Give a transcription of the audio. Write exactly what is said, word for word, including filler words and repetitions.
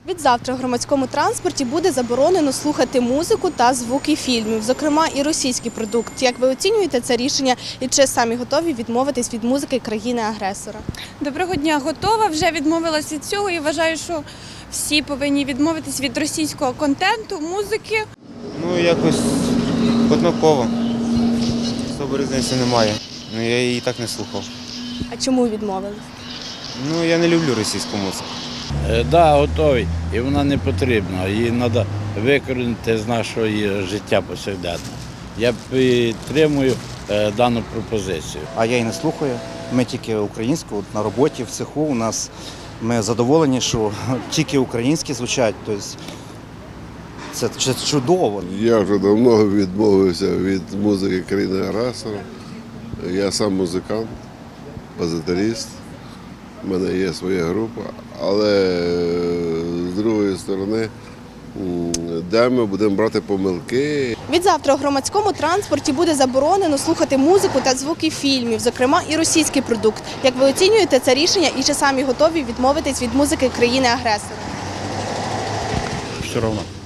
Відзавтра в громадському транспорті буде заборонено слухати музику та звуки фільмів, зокрема і російський продукт. Як ви оцінюєте це рішення і чи самі готові відмовитись від музики країни-агресора? Доброго дня, готова, вже відмовилась від цього і вважаю, що всі повинні відмовитись від російського контенту, музики. Ну, якось однаково. Особо різниці немає. Ну, я її так не слухав. А чому відмовились? Ну, я не люблю російську музику. Так, да, готовий, і вона не потрібна. Її треба викорінити з нашого життя повсякденного. Я підтримую е, дану пропозицію. А я і не слухаю. Ми тільки українську, от на роботі, в цеху у нас ми задоволені, що тільки українські звучать. Тобто це, це чудово. Я вже давно відмовився від музики країни-агресора. Я сам музикант, позитарист. У мене є своя група, але з другої сторони, де ми будемо брати помилки. Відзавтра у громадському транспорті буде заборонено слухати музику та звуки фільмів, зокрема і російський продукт. Як ви оцінюєте це рішення і чи самі готові відмовитись від музики країни-агресора? Все одно.